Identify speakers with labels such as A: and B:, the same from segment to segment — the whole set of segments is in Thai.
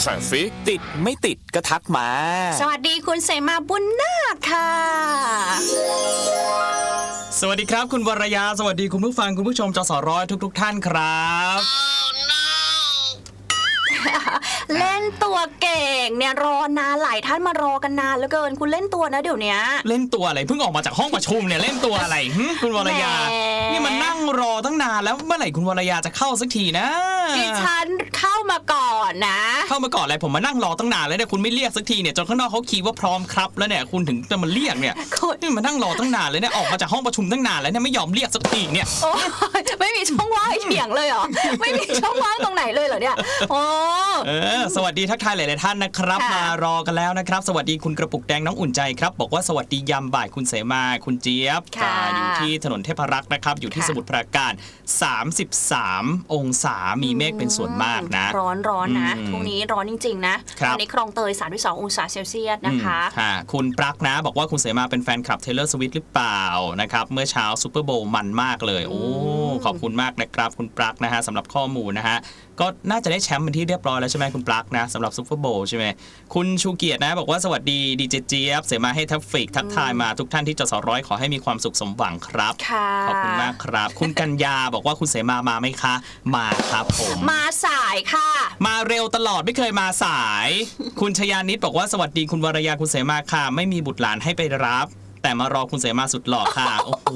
A: สั่งสิติดไม่ติดก็ทักมา
B: สวัสดีคุณเสมาบุญนาคค่ะ
C: สวัสดีครับคุณวรยาสวัสดีคุณผู้ฟังคุณผู้ชมจสร้อยทุกท่านครับ
B: เล่นตัวเก่งเนี่ยรอนานหลายท่านมารอกันนานเหลือเกินคุณเล่นตัวนะเดี๋ยวนี้
C: เล่นตัวอะไรเพิ่งออกมาจากห้องประชุมเนี่ยเล่นตัวอะไรคุณวรยานี่มันนั่งรอตั้งนานแล้วเมื่อไหร่คุณวรยาจะเข้าสักทีนะ
B: ดิฉันเข้ามาก่อนนะ
C: เข้ามาก่อนอะไรผมมานั่งรอตั้งนานแล้วเนี่ยคุณไม่เรียกสักทีเนี่ยจนข้างนอกเขาคีย์ว่าพร้อมครับแล้วเนี่ยคุณถึงจะมาเรียกเนี่ยนี่มานั่งรอตั้งนานเลยเนี่ยออกมาจากห้องประชุมตั้งนานแล้วเนี่ยไม่ยอมเรียกสักทีเนี่ย
B: ไม่มีช่องว่างเถียงเลยเหรอไม่มีช่องว่างตรงไหนเลยเหรอเนี่ยโอ้
C: สวัสดีทักทายหลายๆท่านนะครับมารอกันแล้วนะครับสวัสดีคุณกระปุกแดงน้องอุ่นใจครับบอกว่าสวัสดียามบ่ายคุณเสมาคุณเจี๊ยบอยู่ที่ถนนเทพรักษ์นะครับอยู่ที่สมุทรปราการ33องศามีเมฆเป็นส่วนมากนะ
B: ร้อนนะพรุ่งนี้ร้อนจริงๆนะวันนี้คลองเตย32องศาเซลเซียสนะคะ
C: คุณปลั๊กนะบอกว่าคุณเสมาเป็นแฟนคลับ Taylor Swift หรือเปล่านะครับเมื่อเช้าซูเปอร์โบว์มันมากเลยโอ้ขอบคุณมากนะครับคุณปลั๊กนะฮะสำหรับข้อมูลนะฮะก็น่าจะได้แชมป์เป็นที่เรียบร้อยแล้วใช่ไหมคุณปลั๊กนะสำหรับซูเปอร์โบว์ใช่ไหมคุณชูเกียรตินะบอกว่าสวัสดีดีเจเจี๊ยบเสมาให้ทัฟฟิกทักทายมาทุกท่านที่จสร้อยขอให้มีความสุขสมหวังครับขอบคุณมากครับคุณกัญญาบอกว่าคุณเสมาไหมคะมาครับผม
B: มาสายค่ะ
C: มาเร็วตลอดไม่เคยมาสายคุณชยานิตบอกว่าสวัสดีคุณวรยาคุณเสมาค่ะไม่มีบุตรหลานให้ไปรับแต่มารอคุณเสมาสุดหล่อค่ะโอ้โห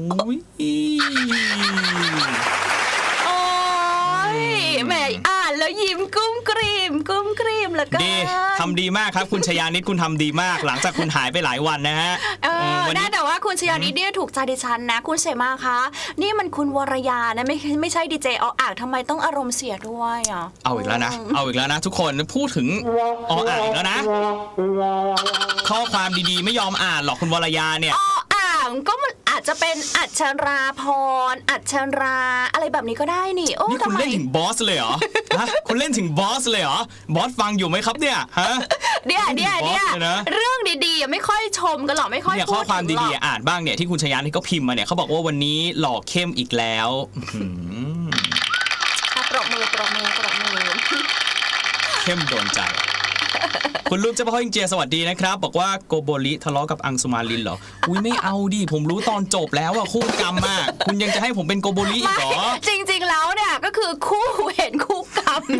B: แม่อ่านแล้วยิ้มกุ้มกรีมแล้วก็
C: ดีทำดีมากครับคุณชยานิตคุณทำดีมากหลังจากคุณหายไปหลายวันนะฮะ
B: น่าแต่ว่าคุณชยานิตเนี่ยถูกใจดิฉันนะคุณเสมาคะนี่มันคุณวรยานะไม่ใช่ดีเจอ่างทำไมต้องอารมณ์เสียด้วยอ่ะ
C: เอาอีกแล้วนะทุกคนพูดถึงอ่างอีกแล้วนะข้อความดีๆไม่ยอมอ่านหรอกคุณวรยาเนี่ย
B: ก็มันอาจจะเป็นอัชราพรอัชราอะไรแบบนี้ก็ได้นี่โอ้
C: นี่คุณเล่นถึงบอสเลยเหรอฮะคุณเล่นถึงบอสเลยเหรอบอสฟังอยู่ไหมครับเนี่ยฮะ
B: เดี๋ยวเรื่องดีๆไม่ค่อยชมกันหรอกไม่ค่อย
C: พูดข้อความดีๆอ่านบ้างเนี่ยที่คุณชยานี่ก็พิมพ์มาเนี่ยเขาบอกว่าวันนี้หล่อเข้มอีกแล้ว
B: ปรบมือ
C: เข้มโดนใจคุณลูกเจ้าพ่อฮิงเจียสวัสดีนะครับบอกว่าโกโบริทะเลาะกับอังสุมาลินเหรออุ้ยไม่เอาดิผมรู้ตอนจบแล้วอะคู่กรรมมากคุณยังจะให้ผมเป็นโกโบริอีกเหรอ
B: จริงๆแล้วเนี่ยก็คือคู่เวรคู่กรรม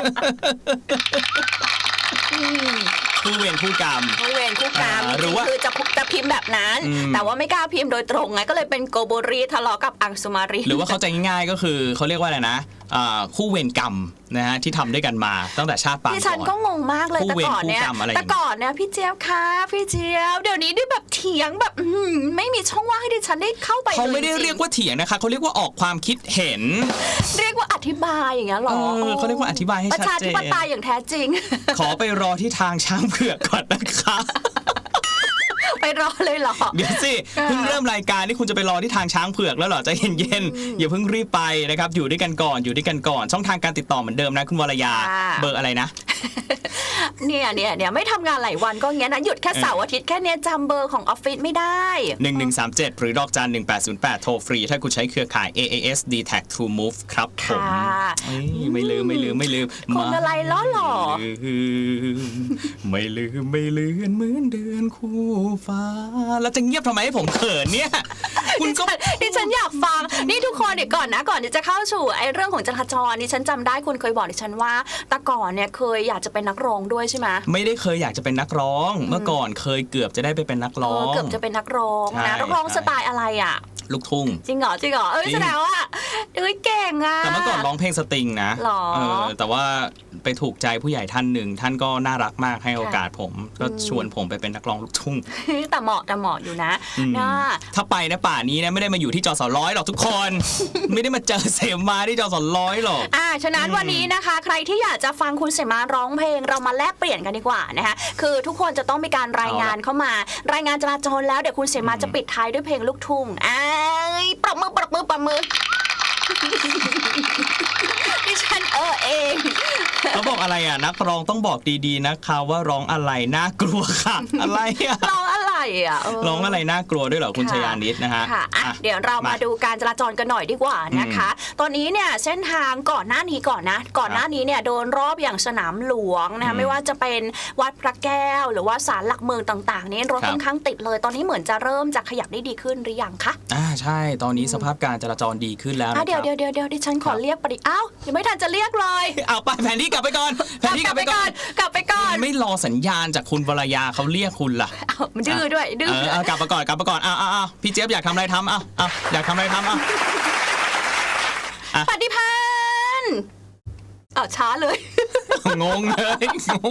C: คู่เวรคู่กรรม
B: หรือว่าคือจะพิมพ์แบบนั้นแต่ว่าไม่กล้าพิมพ์โดยตรงไงก็เลยเป็นโกโบริทะเลาะกับอังสุมาริน
C: หรือว่าเข้าใจง่ายๆก็คือเขาเรียกว่าอะไรนะคู่เวรกรรมนะฮะที่ทำด้วยกันมาตั้งแต่ชาติปางก่อน
B: ดิฉันก็งงมากเลยแต่ก่อนเนี่ยพี่เจี๊ยบคะพี่เจี๊ยบเดี๋ยวนี้ด้วยแบบเถียงแบบไม่มีช่องว่างให้ดิฉันได้เข้าไป
C: เขาไม่ได้เรียกว่าเถียงนะคะเขาเรียกว่าออกความคิดเห็น
B: เรียกว่าอธิบายอย่างเงี้ยหรอ
C: เขาเรียกว่าอธิบายให้ชัดเจน
B: ประชาธิปไตยอย่างแท้จริง
C: ขอไปรอที่ทางช้างเผือกก่อนนะคะ
B: ไปรอเลยเหรอ
C: เดี๋ยวสิเพิ่งเริ่มรายการนี่คุณจะไปรอที่ทางช้างเผือกแล้วเหรอใจเย็นๆอย่าเพิ่งรีบไปนะครับอยู่ด้วยกันก่อนช่องทางการติดต่อเหมือนเดิมนะคุณวรยาเบอร์อะไรนะ
B: เนี่ยไม่ทำงานหลายวันก็งี้นะหยุดแค่เสาร์อาทิตย์แค่นี้จำเบอร์ของออฟฟิศไม่ได้
C: 1137หรือดอกจัน1808โทรฟรีถ้าคุณใช้เครือข่าย AAS D-Tag True Move ครับผมไม่ลืม
B: คนอะไรล้อหล่อ
C: ไม่ลืมเหมือนเดือนคู่ฟ้าแล้วจะเงียบทำไมให้ผมเขินเนี่ย
B: คุณก็ดิฉันอยากฟังนี่ทุกคนเดี๋ยวก่อนที่จะเข้าสู่ไอ้เรื่องของจราจรดิฉันจำได้คุณเคยบอกดิฉันว่าแต่ก่อนเนี่ยเคยอยากจะเป็นนักร้องด้วยใช่ไหม
C: ไม่ได้เคยอยากจะเป็นนักร้องเมื่อก่อนเคยเกือบจะได้ไปเป็นนักร้อง
B: เกือบจะเป็นนักร้องนะนักร้องสไตล์อะไรอ่ะ
C: ลูกทุ่ง
B: จริงเหรอแสดงว่าเก่งอ่ะ
C: แต่เมื่อก่อนร้องเพลงสตริงนะแต่ว่าไปถูกใจผู้ใหญ่ท่านหนึ่งท่านก็น่ารักมากให้โอกาสผมก็ชวนผมไปเป็นนักร้องลูกทุ่ง
B: แต่เหมาะอยู่นะ
C: ถ้าไปนะป่านี้นะไม่ได้มาอยู่ที่จสร้อยหรอกทุกคนไม่ได้มาเจอเสมาที่จสร้อยหรอก
B: ฉะนั้นวันนี้นะคะใครที่อยากจะฟังคุณเสมาร้องเพลงเรามาแลกเปลี่ยนกันดีกว่านะคะคือทุกคนจะต้องมีการรายงานเข้ามารายงานจราจรแล้วเดี๋ยวคุณเสมาจะปิดท้ายด้วยเพลงลูกทุ่งปรบมือดิฉันเอง
C: เขาบอกอะไรอ่ะนักร้องต้องบอกดีๆนะคะว่าร้องอะไรน่ากลัวค่ะอะไรอ่ะ
B: ร้องอะไรอ่ะ
C: ร้องอะไรน่ากลัวด้วยเหรอคุณชยานิดนะฮะ
B: ค่ะอ่ะเดี๋ยวเรามาดูการจราจรกันหน่อยดีกว่านะคะ ตอนนี้เนี่ยเส้นทางก่อนหน้านี้เนี่ยโดนรอบอย่างสนามหลวงนะคะไม่ว่าจะเป็นวัดพระแก้วหรือว่าศาลหลักเมืองต่างๆนี่รถค่อนข้างติดเลยตอนนี้เหมือนจะเริ่มจะขยับได้ดีขึ้นหรือยังคะ
C: ใช่ตอนนี้สภาพการจราจรดีขึ้นแล้วนะครับ
B: เดี๋ยวดิฉันขอเรียกอ้าวยังไม่ทันจะเรียกเลย
C: เอาไปแผนที่กลับไปก่อนแผนที่กลับไปก่อนไม่รอสัญญาณจากคุณวรยาเขาเรียกคุณล่ะ
B: มันดื้อด้วยดื้
C: อกลับมาก่อนเอาพี่เจี๊ยบอยากทำอะไรทำเอาอยากทำอะไรทำ
B: ปฏิพันธ์ช้าเลย
C: งงเลย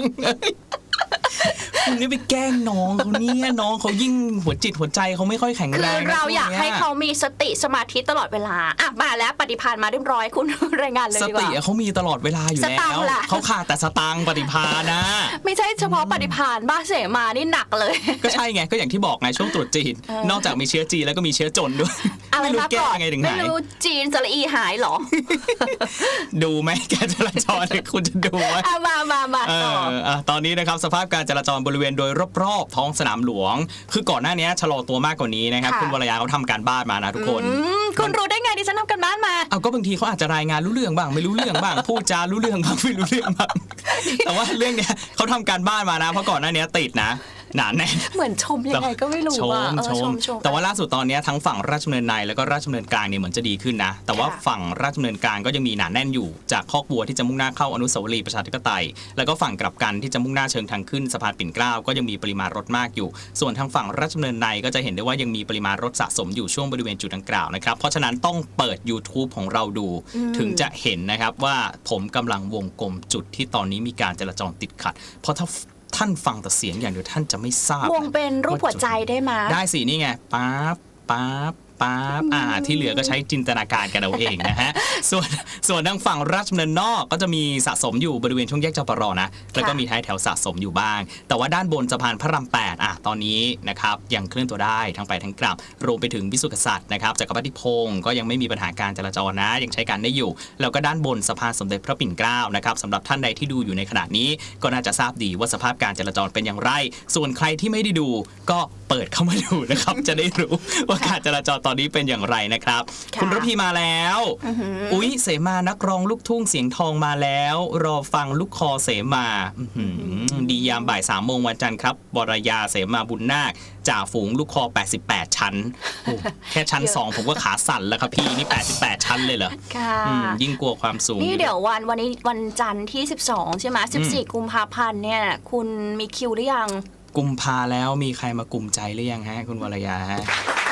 C: คุณนี่ไปแกล้งน้องเขาเนี่ยน้องเขายิ่งหัวจิตหัวใจเขาไม่ค่อยแข็งแรง
B: คือเราอยากให้เขามีสติสมาธิตลอดเวลามาแล้วปฏิพันธ์มาเรียบร้อยคุณรายงานเลยดีกว่า
C: สติเขามีตลอดเวลาอยู่แล้วเขาขาดแต่สตังค์ปฏิพันธ์นะ
B: ไม่ใช่เฉพาะปฏิพันธ์บ้าเสมานี่หนักเลย
C: ก็ใช่ไงก็อย่างที่บอกไงช่วงตรุษจีนนอกจากมีเชื้อจีนแล้วก็มีเชื้อจนด้วย
B: ไม่รู้แก้ยังไงถึงหายไม่รู้จีนสระอีหายหรอ
C: ดูไหมการจราจรคุณจะดูไหม
B: มา
C: ตอนนี้นะครับสภาพการจราจรบริเวณโดยรอบๆท้องสนามหลวงคือก่อนหน้านี้ชะลอตัวมากกว่านี้นะครับคุณวรยาเขาทำการบ้านมานะทุกคน
B: คุณรู้ได้ไงดิฉันทำการบ้านมา
C: ก็บางทีเขาอาจจะรายงานรู้เรื่องบ้างไม่รู้เรื่องบ้างพูดจารู้เรื่องบ้างไม่รู้เรื่องบ้างแต่ว่าเรื่องเนี้ยเขาทำการบ้านมานะเพราะก่อนหน้านี้ติดนะหนาแน่น
B: เหมือนชมยังไงก็ไม่รู้ว่า
C: ชมแต่ว่าล่าสุดตอนนี้ทั้งฝั่งราชดำเนินในแล้วก็ราชดำเนินกลางเนี่ยเหมือนจะดีขึ้นนะแต่ว่าฝั่งราชดำเนินกลางก็ยังมีหนาแน่นอยู่จากคอกวัวที่จะมุ่งหน้าเข้าอนุสาวรีย์ประชาธิปไตยแล้วก็ฝั่งกลับกันที่จะมุ่งหน้าเชิงทางขึ้นสะพานปิ่นเกล้าก็ยังมีปริมาณรถมากอยู่ส่วนทางฝั่งราชดำเนินในก็จะเห็นได้ว่ายังมีปริมาณรถสะสมอยู่ช่วงบริเวณจุดดังกล่าวนะครับเพราะฉะนั้นต้องเปิด YouTube ของเราดูถึงจะเห็นนะครับว่าผมกำลังวงกลมจุดที่ตอนนี้มีการจราจรติดขัดเพราะถ้าท่านฟังแต่เสียงอย่างเดียวท่านจะไม่ทราบ
B: วงเป็นรูปหัวใจได้ไหม
C: ได้สินี่ไงปั๊บที่เหลือก็ใช้จินตนาการกันเอาเองนะฮะส่วนทางฝั่งราชดำเนินนอกก็จะมีสะสมอยู่บริเวณช่วงแยกจปรนะแล้วก็มีท้ายแถวสะสมอยู่บ้างแต่ว่าด้านบนสะพานพระราม8ตอนนี้นะครับยังเคลื่อนตัวได้ทั้งไปทั้งกลับรวมไปถึงวิสุทธิกษัตริย์นะครับจักรพรรดิพงศ์ก็ยังไม่มีปัญหาการจราจรนะยังใช้การได้อยู่แล้วก็ด้านบนสะพานสมเด็จพระปิ่นเกล้านะครับสำหรับท่านใดที่ดูอยู่ในขณะนี้ก็น่าจะทราบดีว่าสภาพการจราจรเป็นอย่างไรส่วนใครที่ไม่ได้ดูก็เปิดเข้ามาดูนะครับจะได้รู้ว่าการจราจรตอนนี้เป็นอย่างไรนะครับคุณระพีมาแล้วอุ๊ยเสมานักร้องลูกทุ่งเสียงทองมาแล้วรอฟังลูกคอเสมาดียามบ่าย3 โมงวันจันทร์ครับวรยาเสมาบุญนาคจ่าฝูงลูกคอ88ชั้นแค่ชั้น2ผมก็ขาสั่นแล้วครับพี่นี่88ชั้นเลยเหรอยิ่งกลัวความสูง
B: นี่เดี๋ยววันนี้วันจันทร์ที่12ใช่ไหม14 กุมภาพันธ์เนี่ยคุณมีคิวหรือยัง
C: กุมภาแล้วมีใครมากลุ่มใจหรือยังฮะคุณวรยาฮะ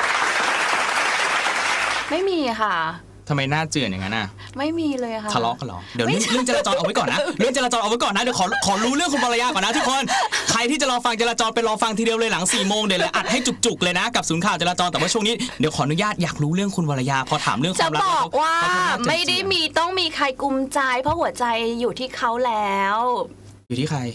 B: ไม่มีค่ะ
C: ทำไมหน้าเจือนอย่างนั้นอ่ะ
B: ไม่มีเลยค่ะ
C: ทะเลาะกันหรอเดี๋ยวเรื่องจราจรเอาไว้ก่อนนะเรื่องจราจรเอาไว้ก่อนนะเดี๋ยวขอรู้เรื่องคุณวรยาก่อนนะทุกคนใครที่จะรอฟังจราจรไปรอฟังทีเดียวเลยหลัง4 โมงเดี๋ยวเลยอัดให้จุกๆเลยนะกับศูนย์ข่าวจราจรแต่ว่าช่วงนี้เดี๋ยวขออนุญาตอยากรู้เรื่องคุณวรยาพอถามเรื่องความรัก
B: จะบอกว่าไม่ได้ต้องมีใครกุมใจเพราะหัวใจอยู่ที่เขาแล้ว
C: อยู่ที่ใคร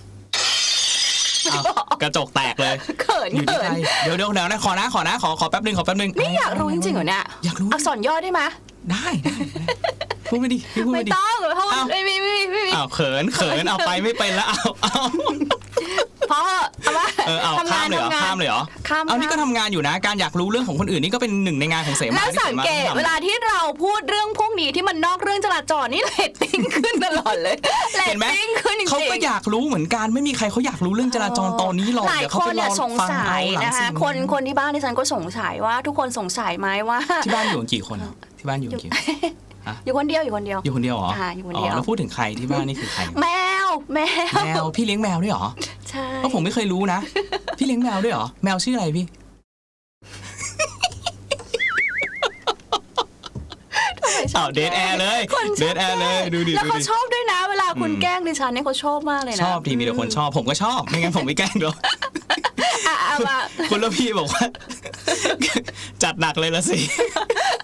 C: กระจกแตกเลย
B: เขิน
C: อยู่ที่ใครเดี๋ยวนะขอแป๊บนึง
B: นี่อยากรู้จริงๆเหรอเนี่ย
C: อยากรู้
B: อักษรย่อได้ไหม
C: ได้พูดไม่ดี
B: ไม่ต้องเพราะไม่
C: เขินเอาไปไม่เป็นแล้วเอา
B: เพราะว่า
C: ทำงานข้ามเลยเหรอเอานี่ก็ทำงานอยู่นะการอยากรู้เรื่องของคนอื่นนี่ก็เป็นหนึ่งในงานของเสมา
B: แล้วสังเกตเวลาที่เราพูดเรื่องพวกนี้ที่มันนอกเรื่องจราจรนี่เรตติ้งขึ้นตลอดเลยเห็นไหม
C: เขาก็อยากรู้เหมือนกันไม่มีใครเขาอยากรู้เรื่องจราจรตอนนี้หรอก
B: หลายคนเนี่ยสงสัยนะคะคนที่บ้านที่ฉันก็สงสัยว่าทุกคนสงสัยไหมว่า
C: ที่บ้านอยู่กี่คนที่บ้านอยู่กี่
B: อยู่คนเดียว
C: อยู่คนเดียวเหรออยู่คนเดียวแล้วพูดถึงใครที่บ้านนี่คือใคร
B: แมว
C: พี่เลี้ยงแมวด้วยเหรอ
B: ใช่
C: เพราะผมไม่เคยรู้นะพี่เลี้ยงแมวด้วยเหรอแมวชื่ออะไรพี่เดทแอร์เลยดูดิ
B: แล้วเขาชอบด้วยนะเวลาคุณแกล้งดิฉันเนี่ยเขาชอบมากเลยนะ
C: ชอบทีมีแต่คนชอบผมก็ชอบไม่งั้นผมไม่แกล้งหรอกคุณละพี่บอกว่าจัดหนักเลยละสิ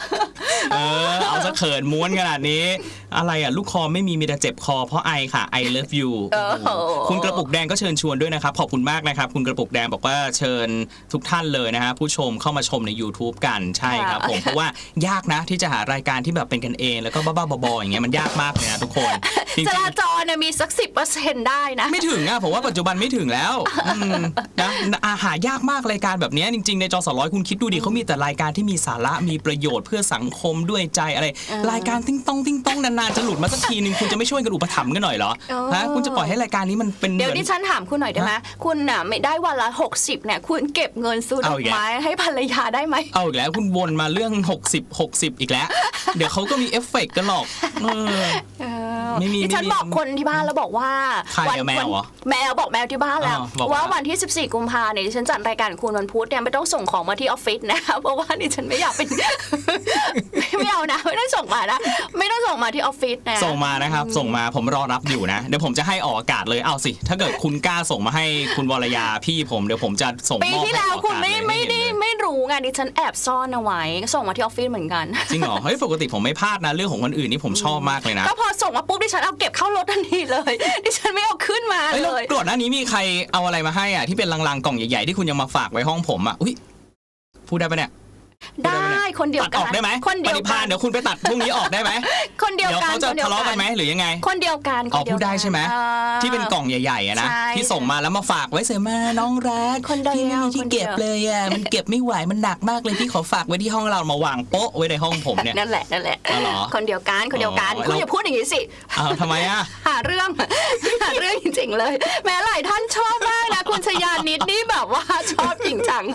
C: เอาซะเขินม้วนขนาดนี้อะไรอ่ะลูกคอไม่มีแต่เจ็บคอเพราะไอค่ะ I love you คุณกระปุกแดงก็เชิญชวนด้วยนะครับขอบคุณมากนะครับคุณกระปุกแดงบอกว่าเชิญทุกท่านเลยนะฮะผู้ชมเข้ามาชมใน YouTube กันใช่ครับผมเพราะว่ายากนะที่จะหารายการที่แบบเป็นกันเองแล้วก็บ้าๆบอๆอย่างเงี้ยมันยากมากเลยนะทุกคน
B: จราจรมีสัก 10% ได้นะ
C: ไม่ถึงผมว่าปัจจุบันไม่ถึงแล้วนะหายากมากรายการแบบนี้จริงๆในจอ100คุณคิดดูดิเขามีแต่รายการที่มีสาระมีประโยชน์เพื่อสังคมด้วยใจอะไรรายการติ้งต้องนานๆจะหลุดมาสักทีนึงคุณจะไม่ช่วยกันอุปถัมภ์กันหน่อยเหรอฮะคุณจะปล่อยให้รายการนี้มันเป็น
B: เดี๋ยวดิฉันถามคุณหน่อยได้ไหมคุณน่ะไม่ได้วันละ60เนี่ยคุณเก็บเงินซื้อดอกไม้ให้ภรรยาได้ไหม
C: เอาอีกแล้วคุณวนมาเรื่อง60อีกแล้วเดี๋ยวเขาก็มีเอฟเฟกต์กันหรอกไม่มี
B: ดิฉันบอกคนที่บ้านแล้วบอกว่า
C: แมวเหรอ
B: แมวบอกแมวที่บ้านแล้วว่าวันที่14กุมภาพันธ์เนี่ยดิฉันจัดรายการคุณวันพุธเนี่ยไม่ต้องส่งของมาที่ออฟฟิศนะเพราะว่าดิฉันไม่อยากเป็นไม่เอานะไม่ต้องส่งมานะไม่ต้องส่งมาที่ออฟฟิศนะ
C: ส่งมานะครับส่งมาผมรอรับอยู่นะเดี๋ยวผมจะให้ออกอากาศเลยเอาสิถ้าเกิดคุณกล้าส่งมาให้คุณวรยาพี่ผมเดี๋ยวผมจะส่งมอบ
B: ปีที่แล้วคุณไม่รู้ไงดิฉันแอบซ่อนเอาไว้ส่งมาที่ออฟฟิศเหมือนกัน
C: จริงเหรอเฮ้ยปกติผมไม่พลาดนะเรื่องของคนอื่นนี่ผมชอบมากเลยนะ
B: ก็พอส่งมาปุ๊บดิฉันเอาเก็บเข้ารถทันทีเลยดิฉันไม่เอาขึ้นมาเลย
C: ก่อนหน้านี้มีใครเอาอะไรมาให้ที่เป็นลังๆกล่องใหญ่ๆที่คุณยังมาฝากไว้ห้องผมอุ้ยพูดได้ปะเนี่ย
B: ได้คนเดียวกัน
C: ตัดออกได้ไหม
B: คนเดียวกัน
C: เดี๋ยวคุณไปตัดพรุ่งนี้ออกได้ไหม
B: คนเดียวกัน
C: เดี๋ยวเขาจะทะเลาะกันไหมหรือยังไง
B: คนเดียวกัน
C: พูดได้ใช่ไหมที่เป็นกล่องใหญ่ๆนะที่ส่งมาแล้วมาฝากไว้เสมาน้องรักพี่ไม่มีที่เก็บเลยมันเก็บไม่ไหวมันหนักมากเลยพี่ขอฝากไว้ที่ห้องเรามาวางโป๊ะไว้ในห้องผมเนี่ย
B: นั่นแหละคนเดียวกันคุณอย่าพูดอย่างนี้สิ
C: ทำไม
B: หาเรื่องจริงๆเลยแม้หลายท่านชอบมากนะคุณชยานิดนี่แบบว่าชอบจริงจัง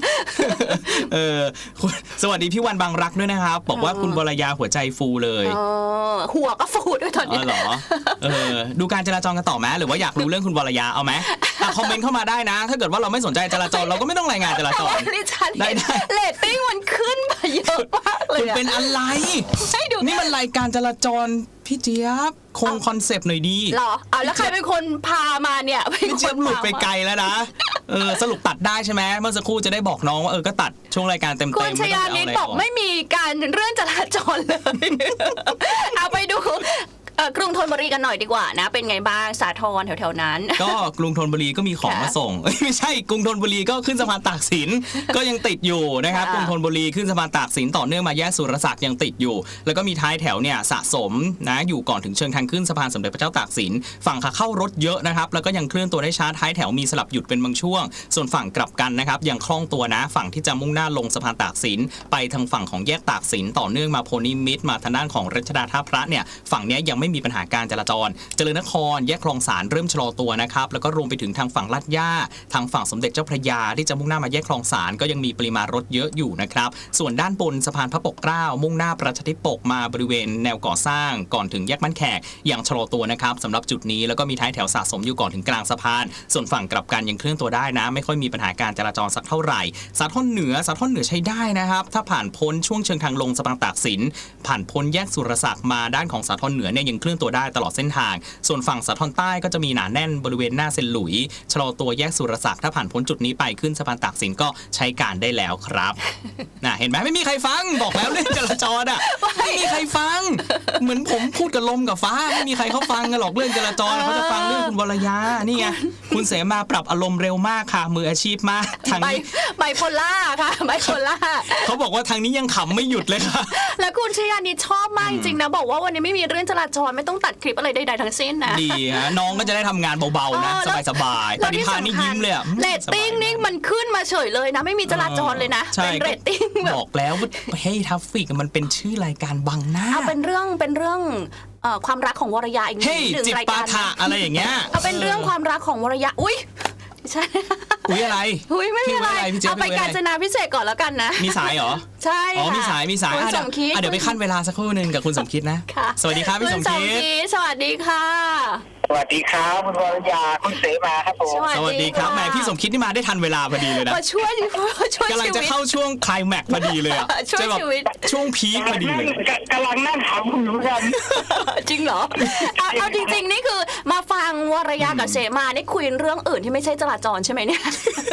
C: สวัสดีพี่วันบางรักด้วยนะครับบอกว่าคุณวรยาหัวใจฟูเลย
B: หัวก็ฟูด้วยตอนนี้
C: เหรอดูการจราจรกันต่อไหมหรือว่าอยากรู้เรื่องคุณวรยาเอาไหมคอมเมนต์เข้ามาได้นะถ้าเกิดว่าเราไม่สนใจจราจรเราก็ไม่ต้องรายงานจราจร
B: ได้เรตติ้งมันขึ้นมาเยอะมากเลย
C: คุณเป็นอะไรนี่มันรายการจราจรพี่เจี๊ยบคงคอนเซปต์หน่อยดี
B: หรอแล้วใครเป็นคนพามาเนี่ย
C: พี่เจี๊ยบหลุดไปไกลแล้วนะสรุปตัดได้ใช่ไหมเมื่อสักครู่จะได้บอกน้องว่าก็ตัดช่วงรายการเต็มๆ
B: คุณชยานิดบอกไม่มีการเรื่องจราจรเลยเอาไปดูกรุงธนบุรีกันหน่อยดีกว่านะเป็นไงบ้างสาทรแถวๆนั้น
C: ก็กรุงธนบุรีก็มีของมาส่งไม่ใช่กรุงธนบุรีก็ขึ้นสะพานตากสินก็ยังติดอยู่นะครับกรุงธนบุรีขึ้นสะพานตากสินต่อเนื่องมาแยกสุรศักดิ์ยังติดอยู่แล้วก็มีท้ายแถวเนี่ยสะสมนะอยู่ก่อนถึงเชิงทางขึ้นสะพานสมเด็จพระเจ้าตากสินฝั่งขาเข้ารถเยอะนะครับแล้วก็ยังเคลื่อนตัวได้ช้าท้ายแถวมีสลับหยุดเป็นบางช่วงส่วนฝั่งกลับกันนะครับยังคล่องตัวนะฝั่งที่จะมุ่งหน้าลงสะพานตากสินไปทางฝั่งของแยกตากสินต่อเนื่องมาโพนิมิตรมาทางด้านของรัชดาท่าพระเนี่ยฝั่งนี้ยังไม่มีปัญหาการจราจรเจริญนครแยกคลองสารเริ่มชะลอตัวนะครับแล้วก็รวมไปถึงทางฝั่งลาดย่าทางฝั่งสมเด็จเจ้าพระยาที่จะมุ่งหน้ามาแยกคลองสารก็ยังมีปริมาณรถเยอะอยู่นะครับส่วนด้านบนสะพานพระปกเกล้ามุ่งหน้าประชาธิปกมาบริเวณแนวก่อสร้างก่อนถึงแยกบ้านแขกยังชะลอตัวนะครับสำหรับจุดนี้แล้วก็มีท้ายแถวสะสมอยู่ก่อนถึงกลางสะพานส่วนฝั่งกลับกันยังเคลื่อนตัวได้นะไม่ค่อยมีปัญหาการจราจรสักเท่าไหร่สาทรเหนือใช้ได้นะครับถ้าผ่านพ้นช่วงเชิงทางลงสะพานตากสินผ่านพ้นแยกสุรศักดิ์มาด้านของสาทรเหนือเนี่ยยังเคลื่อนตัวได้ตลอดเส้นทางส่วนฝั่งสาทรใต้ก็จะมีหนาแน่นบริเวณหน้าเซนหลุยชะลอตัวแยกสุรศักดิ์ถ้าผ่านพ้นจุดนี้ไปขึ้นสะพานตากสินก็ใช้การได้แล้วครับเห็นไหมไม่มีใครฟังบอกแล้วเรื่องจราจรไม่มีใครฟังเหมือนผมพูดกับลมกับฟ้าไม่มีใครเขาฟังกันหรอกเรื่องจราจรเขาจะฟังเรื่องคุณวรยานี่ไงคุณเสมาปรับอารมณ์เร็วมากค่ะมืออาชีพมากทางนี้
B: ไบโพล่าค่ะไบโพล่า
C: เขาบอกว่าทางนี้ยังขำไม่หยุดเลยค่ะ
B: แล้วคุณชยานิดชอบมากจริงๆนะบอกว่าวันนี้ไม่มีเรื่องจราจรไม่ต้องตัดคลิปอะไรใดๆทั้งสิ้นนะ
C: ดีฮะน้องก็จะได้ทำงานเบาๆนะสบายๆปฏิภาณนี่ยิ้มเลย
B: เรตติ้งนี่มันขึ้นมาเฉยเลยนะไม่มีจราจรเลยนะเป็นเรตติ้ง
C: บอกแล้วว่าให้ทัฟฟิกมันเป็นชื่อรายการบังหน้า
B: เป็นเรื่องความรักของวรยาอีกหนึ่งรายการ
C: อะไรอย่างเงี้ย
B: เป็นเรื่องความรักของวรยาอุ้ยใช่
C: อะไร
B: ไม่มีอะไรเอาไปกาญจนาพิเศษก่อนแล้วกันนะ
C: มีสายเหรอ
B: ใช่
C: มีสายเดี๋ยวไปขั้นเวลาสักครู่นึงกับคุณสมคิดนะสวัสดีครับพี่สมคิด
B: สวัสดีค่ะ
D: สวัสดีครับคุณวรยาคุณเสมาครับผม
C: สวัสดีครับแหมพี่สมคิดนี่มาได้ทันเวลาพอดีเลยนะ
B: มาช่วย
C: กำลังจะเข้าช่วงไคลแม็กซ์พอดีเลย
B: ช่วยชีวิต
C: ช่วงพีคพอดีเลย
D: กำลังนั่งถามคุณอยู่กัน
B: จริงเหรอเอาจริงๆนี่คือมาฟังวรยากับเสมานี่คุยเรื่องอื่นที่ไม่ใช่จราจรใช่ไหมเนี่ย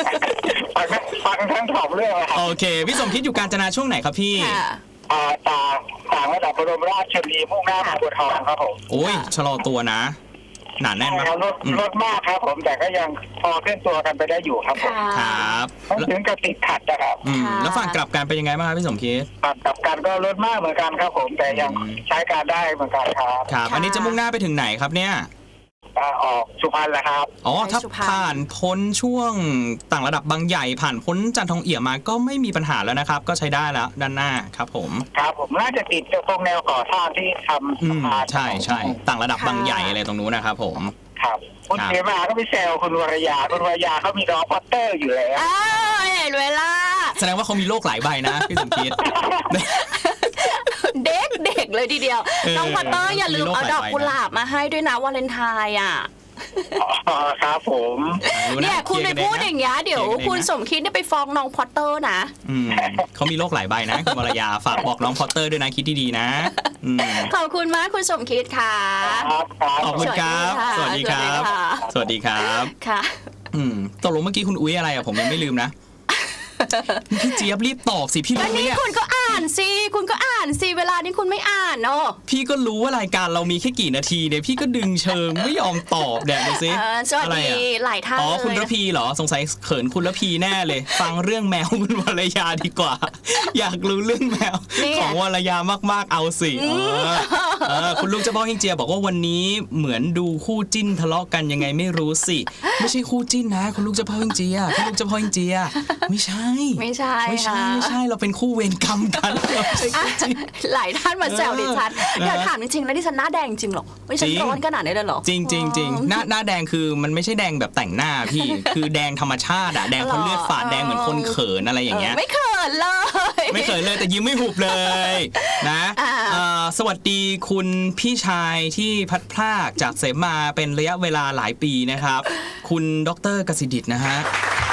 D: ฟังทั้งสองเรื่อง
C: โอเคพี่สมคิดอยู่กาญจนาช่วงไหนครับพี่
D: ตากต่างระดับบรมราชชนนีมุ่งหน้าบางบัวทองครับผม
C: โอ้ยชะลอตัวนะ หนาแน่นมาก
D: รถ
C: อืม
D: รถมากครับผมแต่ก็ยังพอเคลื่อนตัวกันไปได้อยู่ครับผม
B: ค่ะ
C: ครับ
D: ไม่ถึงกับติดขัดนะครับ
B: ค่ะ
C: แล้วฝั่งกลับกันเป็นยังไงบ้างครับพี่สมคิด
D: ฝั่งกลับกันก็รถมากเหมือนกันครับผมแต่ยังใช้การได้เหมือนกันครับ
C: ครับ อันนี้จะมุ่งหน้าไปถึงไหนครับเนี่ย
D: ออกสุพรรณแล้วครับ
C: อ๋อ ถ้า
B: ไปสุพรรณ
C: ผ่านพ้นช่วงต่างระดับบางใหญ่ผ่านพ้นจันทองเอี่ยมมาก็ไม่มีปัญหาแล้วนะครับ ก็ใช้ได้แล้วด้านหน้าครับผม
D: ครับผมน่าจะติดตรงแนวก่อสร้างที่ทำสะพาน
C: ใช่ใช่ต่างระดับบางใหญ่อะไรตรงนู้นนะครับผม
D: ครับคุณเสมาก็ไปแซวคุณวรยาคุณวรยาเขามีน้องพอตเตอร์อยู่แล้ว
B: อ้าวเห็นเวลา
C: แสดงว่าเขามีโรคหลายใบนะพี่สมคิด
B: เด็กเลยทีเดียว น้องพอตเตอร์อย่าลืมเอาดอกกุหลาบมาให้ด้วยนะวาเลนไทน์อ่ะ
D: อ๋อครับผม
C: รู้ะ
B: เนี่ยคุณไปพูดอย่างเงี้ยเดี๋ยว
C: เคลียร์กันเองนะ
B: คุณสมคิดเนี่ยไปฟ้องน้องพอตเตอร์นะ
C: เขามีโรคหลายใบนะคุณวรยาฝากบอกน้องพอตเตอร์ด้วยนะคิดดีๆนะอืม
B: ขอบคุณมากคุณสมคิดค่ะ
D: ครับครับ
C: ขอบคุณครับ สวัสดีครับ สวัสดีครับ
B: ค่ะ
C: ตกลงเมื่อกี้คุณอุ้ยอะไรอ่ะผมยังไม่ลืมนะ พี่เจี๊ยบรีบตอบสิพี่
B: อั
C: รู้
B: น
C: ไหม
B: นี้
C: เนี่ย
B: คุณก็อ่านสิคุณก็อ่านสิเวลานี้คุณไม่อ่านเนาะ
C: พี่ก็รู้ว่ารายการเรามีแค่กี่นาทีเนี่ยพี่ก็ดึงเชิงไม่ยอมตอบเนี่ยดูสิ
B: สวัส
C: อะไร
B: ดี
C: อ่ะ
B: หลายท่าน
C: อ๋อคุณ
B: เลย
C: ระพีเหรอสงสัยเขินคุณระพีแน่เลย ฟังเรื่องแมวคุณวรยาดีกว่า อยากรู้เรื่องแมว ของวรยามากๆเอาสิคุณลูกเจ้าพ่อเฮงเจียบอกว่าวันนี้เหมือนดูคู่จิ้นทะเลาะกันยังไงไม่รู้สิ ไม่ใช่คู่จิ้นนะคุณลูกเจ้าพ่อเฮงเจียคุณลูกเจ้าพ่อเฮงเจียไม่ใช่
B: ไม่ใช่
C: ไม่ใช่
B: ค่ะ
C: ไม่ใช่เราเป็นคู่เวรกรรมกันเราไม่ใช่
B: อ่ะ
C: คู่จิ้น
B: หลายท่านมาแซวดิฉัน
C: เออ
B: อยากถามจริงๆแล้วดิฉันหน้าแดงจริงเหรอไม่ฉัน
C: จริง
B: ร้อนขนาดนี้เลยเหรอ
C: จริงจริงจริงหน้าแดงคือมันไม่ใช่แดงแบบแต่งหน้าพี่ คือแดงธรรมชาติอะแดงเพราะเลือดฝาดแดงเหมือนคนเขินอะไรอย่างเงี้ย
B: ไม่เขินเลย
C: ไม่เขินเลยแต่ยิ้มไม่หุบเลยนะ
B: อ่า
C: สวัสดีคุณพี่ชายที่พัดพรากจากเสมาเป็นระยะเวลาหลายปีนะครับ คุณดร.กสิดิษฐ์นะฮะ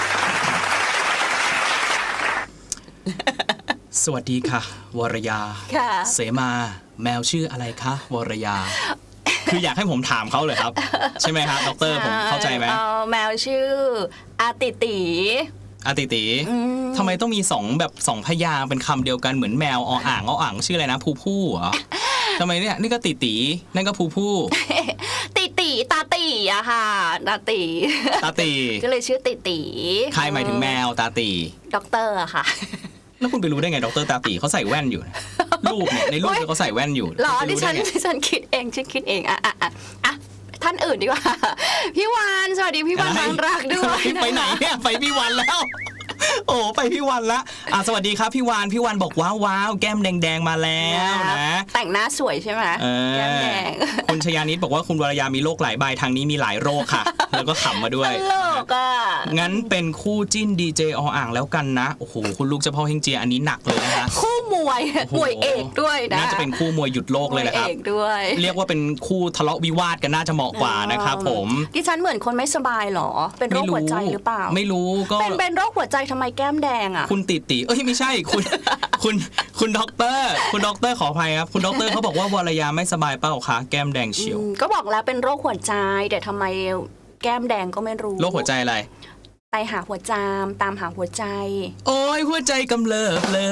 C: สวัสดีค่ะ วรยา
B: ค่ะ
C: เสมาแมวชื่ออะไรคะวรยา คืออยากให้ผมถามเขาเลยครับ ใช่ไหมครับดรผมเข้าใจไหม
B: แมวชื่ออาติติ
C: อาติติทำไมต้องมีสองพยางค์เป็นคำเดียวกันเหมือนแมวออ่างชื่ออะไรนะผู้เหรอทำไมเนี่ยนี่ก็ติตินั่นก็ผู้
B: ติติตาติอะค่ะตาติ
C: ตาตี
B: ก็เลยชื่อติติ
C: ใครหมายถึงแมวตาตี
B: ด็อกเตอร์อะค่ะ
C: แล้วคุณไปรู้ได้ไงดรตาตีเขาใส่แว่นอยู่ รูปเนี่ยในรูปเนี่ยเขาใส่แว่นอยู่
B: หรอ
C: คุณไป
B: ดิ
C: รู้
B: ฉั
C: ได้
B: น
C: ไง
B: ดิฉันคิดเองฉันคิดเองอ่ะท่านอื่นดีกว่า พี่วานสวัสดีพี่วานบางรักด้วย
C: ไปไหนเนี่ยไปพี่วันแล้ว โอ้ไปพี่วันละสวัสดีครับพี่วานบอกว้าวแก้มแดงๆมาแล้วนะ
B: แต่งหน้าสวยใช่ไหมแก้มแดง
C: คุณชยานิดบอกว่าคุณวรยามีโรคหลายใบทางนี้มีหลายโรคค่ะ แล้วก็ขำมาด้วย
B: ตลกอ่ะ
C: งั้นเป็นคู่จิ้นดีเจออ่างแล้วกันนะโอ้โหคุณลูกเจ้าพ่อเฮงเจียอันนี้หนักเลยนะคะ
B: คู่มวย
C: โอ้โห
B: มวยเอกด้วยนะ
C: น่าจะเป็นคู่มวยหยุดโลกเลยแหละครับ
B: มวเอกด้วย
C: เรียกว่าเป็นคู่ทะเลาะวิวาทกันน่าจะเหมาะกว่านะครับผม
B: ดิฉันเหมือนคนไม่สบายเหรอ เป็นโรคหัวใจหรือเปล่า
C: ไม่รู้ก็
B: เป็นโรคหัวใจทำไมแก้มแดงอ่ะ
C: คุณติเอ้ยไม่ใช่คุณด็อกเตอร์ขออภัยครับคุณด็อกเตอร์เขาบอกว่าวรยาไม่สบายเปล่าคะแก้มแดงเฉียว
B: ก็บอกแล้วเป็นโรคหัวใจแต่ทำไมแก้มแดงก็ไม่รู้
C: โรคหัวใจอะไร
B: ไปหาหัวจามตามหาหัวใจ
C: โอ้ยหัวใจกำเริบเล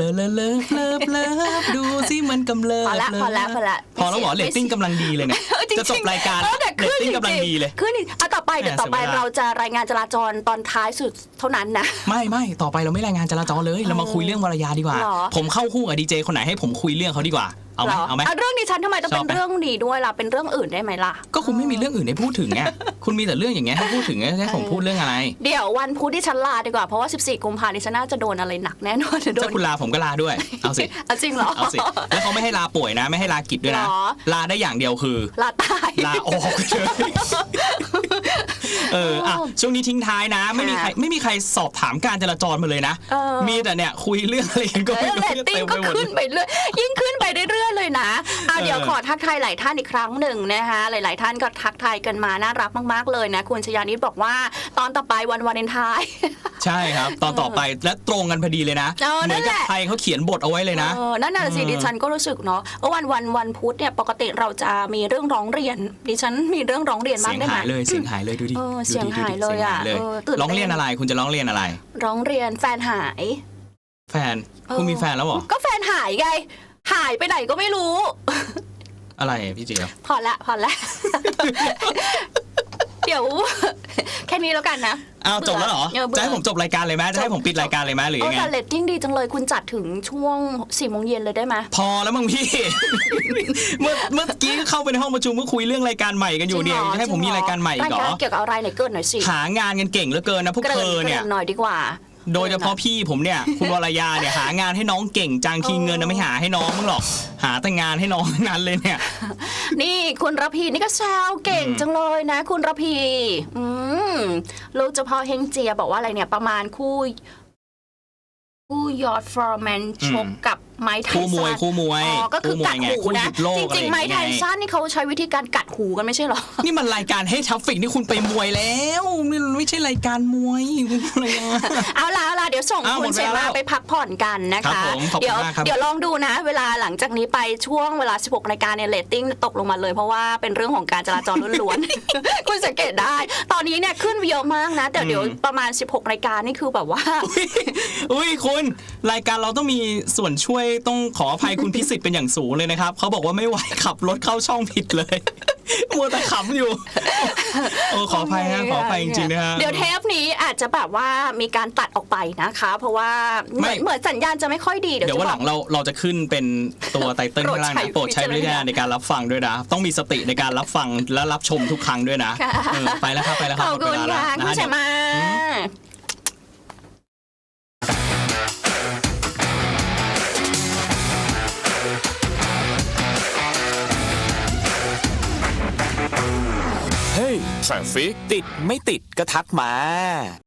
C: อดูสิมันกำเริบ
B: พอละพอละ
C: พอแล้วเหรอเรตติ้งกำลังดีเลยเนี่ย
B: จริงๆ
C: จะจบรายการ
B: แต่
C: เรตติ้งกำลังดีเลย
B: ขึ้นอีกต่อไปเดี๋ยวต่อไป
C: เสียเวลา
B: เราจะรายงานจราจรตอนท้ายสุดเท่านั้นนะ
C: ไม่ต่อไปเราไม่รายงานจราจรเลยเรามาคุยเรื่องวรยาดีกว่า
B: หรอ
C: ผมเข้าคู่กับดีเจคนไหนให้ผมคุยเรื่องเขาดีกว่าเอาไหม
B: หร
C: เอาไหม
B: เรื่องดิฉันทำไมต้อง
C: ช
B: เป็
C: อบ
B: น
C: ไหม
B: เรื่องดีด้วยล่ะเป็นเรื่องอื่นได้ไหมล่ะ
C: ก็คุณไม่มีเรื่องอื่นให้พูดถึงไงคุณมีแต่เรื่องอย่างเงี้ยให้พูดถึงให้ผมพูดเรื่องอะไร
B: เดี๋ยววันพุธที่ฉันลาดีกว่าเพราะว่า14กุมภาพันธ์ดิฉันน่าจะโดนอะไรหนักแน่นอนจะโด
C: ถ้าน คุณลาผมก็ลาด้วยเอาสิ
B: เอาจริงเหรอ
C: เอาสิแล้วเขาไม่ให้ลาป่วยนะ ไม่ให้ลากิจด้วยนะ
B: หรอ
C: ลาได้อย่างเดียวคือ
B: ลาตาย
C: ลาออกเลยช่วงนี้ทิ้งท้ายนะ ไม่มีใครสอบถามการจราจรมาเลยนะ มีแต่เนี่ยคุยเรื่องอะไรกันก็ไม่รู้
B: เรตติ้งก็ขึ้นไปเรื่อยยิ่งขึ้นไปเรื่อยๆเลยนะเดี๋ยวขอทักทายหลายท่านอีกครั้งหนึ่งนะคะหลายๆท่านก็ทักทายกันมาน่ารักมากๆเลยนะคุณชยานิดบอกว่าตอนต่อไปวันวาเลนไทน์
C: ใช่ครับ ตอนต่อไปและตรงกันพอดีเลยนะ เหมือนกับใครเขาเขียนบทเอาไว้เลยนะ
B: นั่นน่ะสิดิฉันก็รู้สึกเนาะว่าวันพุธเนี่ยปกติเราจะมีเรื่องร้องเรียนดิฉันมีเรื่องร้องเรียนบ้า
C: เสี
B: ง
C: ยง
B: ได้ไหม
C: หายเลยเสียงหายเลยดูดิ
B: เสียงหายเลยอ่ะตื่นเต้น
C: ร้องเรียนอะไรคุณจะร้องเรียนอะไร
B: ร้องเรียนแฟนหาย
C: แฟนคุณมีแฟนแล้วเหรอ
B: ก็แฟนหายไงหายไปไหนก็ไม่รู้
C: อะไรพี่เจี๊ยบ
B: พอละ เดี๋ยว แค่นี้แล้วกันนะ
C: อ้าวจบแล้วเหรอ
B: บื่
C: จะให้ผมจบรายการเลยไหมจะให้ผมปิดรายการเลยไหมหรือยังไง
B: แต่เรตติ้งดีจังเลยคุณจัดถึงช่วง 4 โมงเย็นเลยได้ไหม
C: พอแล้วมั้งพี่ เมื่อกี้เข้าไปในห้องประชุมก็คุยเรื่องรายการใหม่กันอยู่เนี่ยจะให้ผมมีรายการใหม่อีกเหร
B: ราย
C: อ
B: การเกี่ยวกับอะไรไหนเกินหน่อยสิ
C: หางานกันเก่งเหลือเกินนะพวกเธอเนี่ย
B: หน่อยดีกว่า
C: โดยเฉพาะพี่ผมเนี่ย คุณวรยาเนี่ยหางานให้น้องเก่งจังทีเงินนะไม่หาให้น้องมึงหรอก หาแต่งานให้น้องทั้งนั้นเลยเนี่ย
B: นี่คุณระพีนี่ก็แซวเก่งจังเลยนะ คุณระพีลูกเฉพาะเฮงเจียบอกว่าอะไรเนี่ยประมาณคู่ยอร์ดฟอร์แมนชกกับไม้ไทสัน
C: คู่มวย
B: อ๋อก็คือกัดหู
C: คู่
B: นะ
C: หยุดโลก
B: จริงๆไม้ไทสันนี่เขาใช้วิธีการกัดหูกันไม่ใช่เหรอ
C: นี่มันรายการให้ทัฟฟิกนี่คุณไปมวยแล้วไม่ใช่รายการมวยคุณวรยา
B: เอาล่ะเดี๋ยวส่ง
C: อ้าว
B: คุณ
C: หมด
B: เส
C: เวลา
B: มา
C: แล้ว
B: ไปพักผ่อนกันนะ
C: ครั
B: คะ
C: บผมขอบคุณมากครับ
B: เดี๋ยวลองดูนะ เวลาหลังจากนี้ไปช่วงเวลา 16 รายการเนี่ยเรตติ้งตกลงมาเลยเพราะว่าเป็นเรื่องของการจราจรล้วนๆ คุณสังเกตได้ ตอนนี้เนี่ยขึ้นเยอะมากนะแต่เดี๋ยวประมาณ 16 รายการนี่คือแบบว่า
C: อุ้ยคุณรายการเราต้องมีส่วนช่วยต้องขออภัยคุณพิสิทธิ์เป็นอย่างสูงเลยนะครับเขาบอกว่าไม่ไหวขับรถเข้าช่องผิดเลย มัวแต่ขำอยู่โอ้ขออภัยนะขออภัยจริงๆนะฮะ
B: เดี๋ยวเทปนี้อาจจะแบบว่ามีการตัดออกไปนะคะ เพราะว่าเหมือนสัญญาณจะไม่ค่อยดี
C: เดี๋ยววันหลังเราจะขึ้นเป็นตัวไตเติ้ลข้างล่างนะโปรดใช้วิจารณญาณในการรับฟังด้วยนะต้องมีสติในการรับฟังและรับชมทุกครั้งด้วยนะไปแล้วครับไปแล้วค
B: ข
C: รับ
B: อบคุณ
C: หมดเวลา
B: ค่ะ
C: แล้ว
B: คุณ
C: นะ
B: เสมา
A: เฮ้ย ทราฟฟิกติดไม่ติดก็ทักมา